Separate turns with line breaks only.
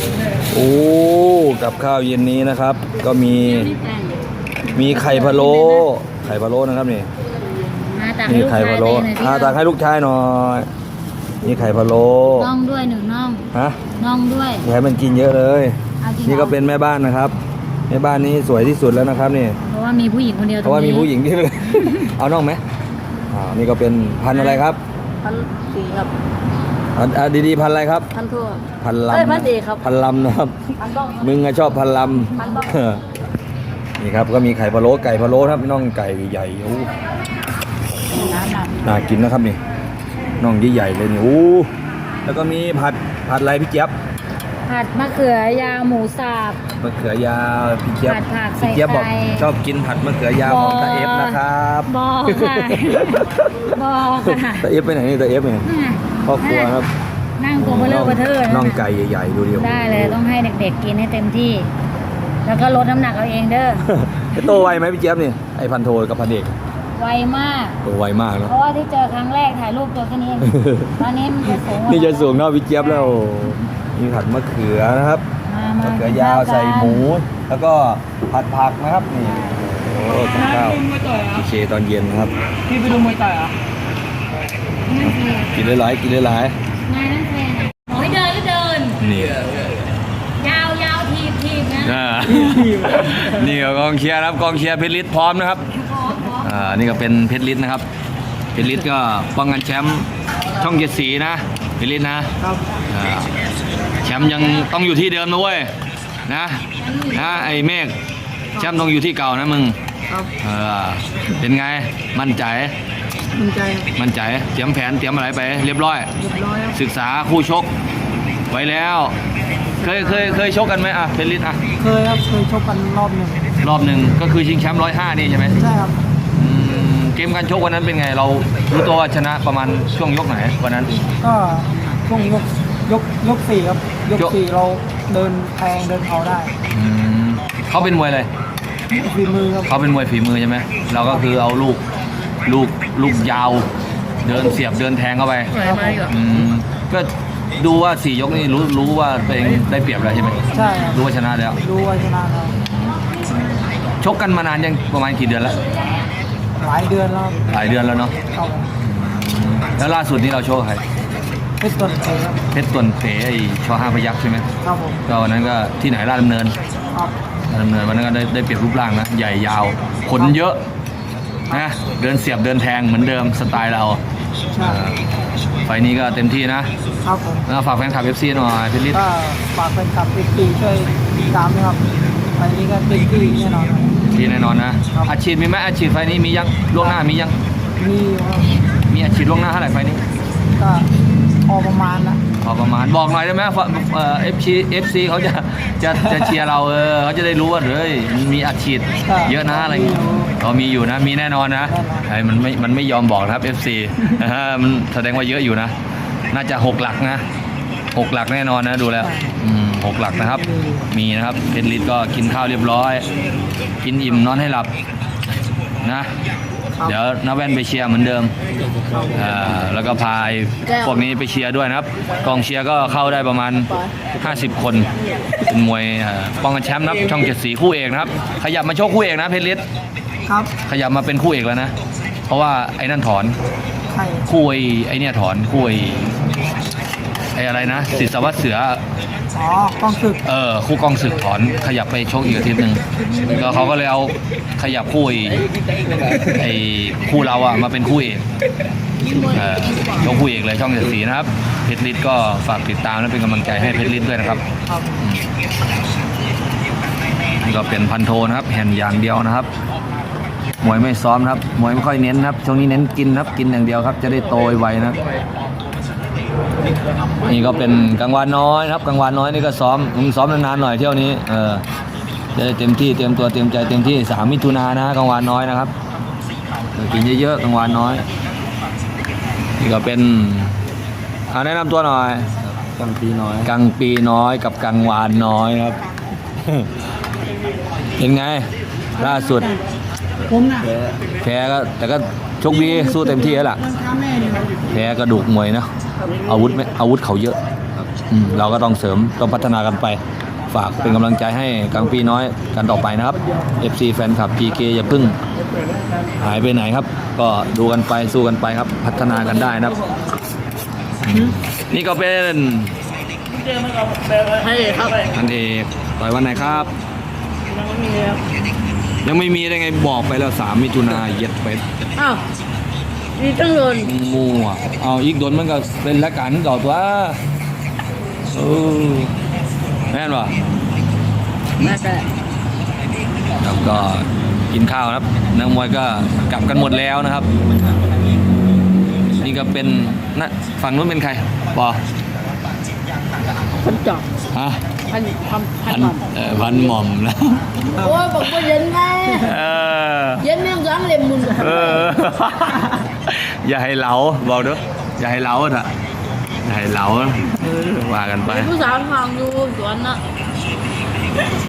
โอ้กับข้าวเย็นนี้นะครับ ก็มีไข่พะโล้นะครับนี่มีไข่พะโล้ตักให้ลูกชายหน่อยมีไข่พะโล้
น่องด้วย1น่อง
ฮะ
น่องด้วย
อย่าให้มันกินเยอะเลยนี่ก็เป็นแม่บ้านนะครับแม่บ้านนี้สวยที่สุดแล้วนะครับนี่
เพราะว่ามีผู้หญิงคนเดียว
เพราะว่ามีผู้หญิงที่เอาน่องไหมนี่ก็เป็นพันอะไรครับ
พันสีครับ
ดีๆพันอะไรครับ
พันทั่ว
พันลำ
พันเอกครับ
พันลำนะครับมึงชอบพันลำนี่ครับก็มีไข่พะโล้ไก่พะโล้ครับน่องไก่ใหญ่โอ้น่ากินนะครับนี่น่องใหญ่ๆเลยนี่โอ้แล้วก็มีผัดอะไรพี่เจี๊ยบ
ผัดมะเขือยาวหมูสับ
มะเขือยาวพี่เจี๊ยบ
พี่เจี๊ยบ
บอกชอบกินผัดมะเขือยาวของตาเอฟนะครับ
บอกค่ะบอกค่ะ
ตาเอฟไปไหนนี่ตาเอฟเนี่ยครอบครัวครับ
นั่งตัวเบลอเทอร์
น่องไก่ใหญ่ๆดูดิ
ได้เลยต้องให้เด็กๆกินให้เต็มที่แล้วก็ลดน้ำหนักเอาเองเด้อ
โตไวไหมพี่เจี๊ยบนี่ไอพันโทกับพันเอก
ไวมาก
โตไวมากเนาะ
เพราะว่าที่เจอครั้งแรกถ่ายรูปตัวแค่นี้ตอนนี้มันจะสูง
นี่จะสูงเท่าพี่เจี๊ยบแล้วมีผัดมะเขือนะครับมะเขือยาวใส่หมูแล้วก็ผัดผักนะครับนี่โอ้ข้าวพี่เชตอนเย็นนะครับ
พี่ไปดูมวยต่อยอ่ะ
กินหลาย
นายนั่นแทนโอ้ยเดินก็เดิน
นี่
ยาวทีบนะ
นี่ก็กองเชียร์ครับกองเชียร์เพชรฤทธิ์พร้อมนะครับนี่ก็เป็นเพชรฤทธิ์นะครับเพชรฤทธิ์ก็ป้องกันแชมป์ช่อง7 สีนะเพชรฤทธิ์นะครับแชมป์ยังต้องอยู่ที่เดิมนะเว้ยนะไอ้เมฆแชมป์ต้องอยู่ที่เก่านะมึงเป็นไงมั่นใจเตรียมแผนเตรียมอะไรไปเรียบร้อยศึกษาคู่ชกไว้แล้วเคยชกกันไหมเพชรฤทธิ์
เคยครับเคยชกกันรอบหนึ่ง
ก็คือชิงแชมป์105นี่ใช่ไหม
ใช่ครับ
เกมการชกวันนั้นเป็นไงเรารู้ตัวว่าชนะประมาณช่วงยกไหนวันนั้น
ก็ช่วงยก4ครับยก4เราเดินแทงเดินเขาได้
เขาเป็นมวยอะไร
ฝีมือครับ
เขาเป็นมวยฝีมือใช่ไหมเราก็คือเอาลูกยาวเดินเสียบเดินแทงเข้าไปก็ดูว่า4 ยกนี่รู้ว่าตัวเองได้เปรียบแล้วใช่ไหม
ใช่
รู้ว่าชนะแล้วชกกันมานานยังประมาณกี่เดือนแล้ว
หลายเดือนแล้ว
เนาะแล้วล่าสุดนี้เราโชว์ใคร
เพชรต
วนเป๋ไอชอ5 พยัคฆ์ใช่ไหม
ครับผม
ก็วันนั้นก็ที่ไหนราชดำเนินวันนั้นก็ได้เปรียบรูปร่างนะใหญ่ยาวขนเยอะนะเดินเสียบเดินแทงเหมือนเดิมสไตล์เราไฟนี้ก็เต็มที่
นะครับผม
ฝากแฟนคลับ FC หน่อยเพชรฤทธิ์
ฝากแฟนคลับ FC ช่วยติดตามนะครับไฟนี้ก็เต็มที่แน่นอน
นะอาชีพมีไหมอาชีพไฟนี้มียังล่วงหน้ามียังมีอาชีพล่วงหน้าเท่าไหร่ไฟนี้
ก็พอประมาณ
บอกหน่อยได้ไหมFC เขาจะเชียร์เราเขาจะได้รู้ว่ามีอาชีพเยอะนะอะไรก็มีอยู่นะมีแน่นอนนะมันไม่ยอมบอกนะครับ FC มันแสดงว่าเยอะอยู่นะน่าจะ6 หลักนะ6 หลักแน่นอนนะดูแล้ว6 หลักนะครับมีนะครับเพชรฤทธิ์ก็กินข้าวเรียบร้อยกินอิ่มนอนให้หลับนะเดี๋ยวน้าแว่นไปเชียร์เหมือนเดิมแล้วก็พาพวกนี้ไปเชียร์ด้วยนะครับกองเชียร์ก็เข้าได้ประมาณ50 คนเป็นมวยป้องกันแชมป์นะครับช่อง7 สีคู่เอกนะครับขยับมาโชคคู่เอกนะเพชรฤทธิ์
ครับ
ขยับมาเป็นคู่เอกแล้วนะเพราะว่าไอ้นั่นถอนคู่ไอ้เนี่ยถอนคู่ไอ้อะไรนะศิษย์สวัสดิ์เสื
อกองศึก
คู่กองศึกถอนขยับไปโชคอีกอาทิตย์นึงก็เขาก็เลยเอาขยับคู่ไอ้คู่เรามาเป็นคู่เอกโชคคู่เอกเลยช่อง7 สีนะครับเพชรฤทธิ์ก็ฝากติดตามและเป็นกำลังใจให้เพชรฤทธิ์ด้วยนะครับนี่ก็เป็นพันโทนะครับแห่นอย่างเดียวนะครับมวยไม่ซ้อมครับมวยไม่ค่อยเน้นครับช่วงนี้เน้นกินครับกินอย่างเดียวครับจะได้โตไวนะครับนี่ก็เป็นกังวานน้อยครับกังวานน้อยนี่ก็ซ้อมนานๆหน่อยเที่ยวนี้จะได้เต็มที่เตรียมตัวเตรียมใจเต็มที่3 มิถุนายนนะกังวานน้อยนะครับกินเยอะๆกังวานน้อยนี่ก็เป็นแนะนำตัวหน่อยกังปีน้อยกับกังวานน้อยครับเป็นไงล่าสุดแพ้ก็แต่ก็โชคดีสู้เต็มที่แล้วล่ะแพ้กระดูกมวยนะอาวุธเขาเยอะเราก็ต้องเสริมต้องพัฒนากันไป ฝากเป็นกำลังใจให้กังปีน้อยกันต่อไปนะครับ FC แฟนคลับ PK อย่าเพิ่งหายไปไหนครับ ก็ดูกันไปสู้กันไปครับ พัฒนากันได้นะครับนี่ก็เป็น
ให้ครับ
อันเอกต่อยวันไหนครับ ยังไม่มีได้ไงบอกไปแล้ว3 มิถุนาเย็ดไป
อ้าวมีตั้งโดน
มั่วเอาอีกโดนมันก็เป็นละกันต่อตัวแม่นวะ
แม่แต่
ครับก็กินข้าวนะครับนักมวยก็กลับกันหมดแล้วนะครับ นี่ก็เป็นนะฝั่งนู้นเป็นใครปอ
คนจอบ
ฮะ
พันหม่อม
พันหม่อมแล้ว
โอ้ยบอกว่าเย็นไง
เออ
เย็นแม่งร้างเล็มมุน
อย่าให้เหลาบอกด้วยอย่าให้เหลาเถอะอย่าให้เหลาว่ากันไป
ผู้สาวทางอยู่สวนน่ะ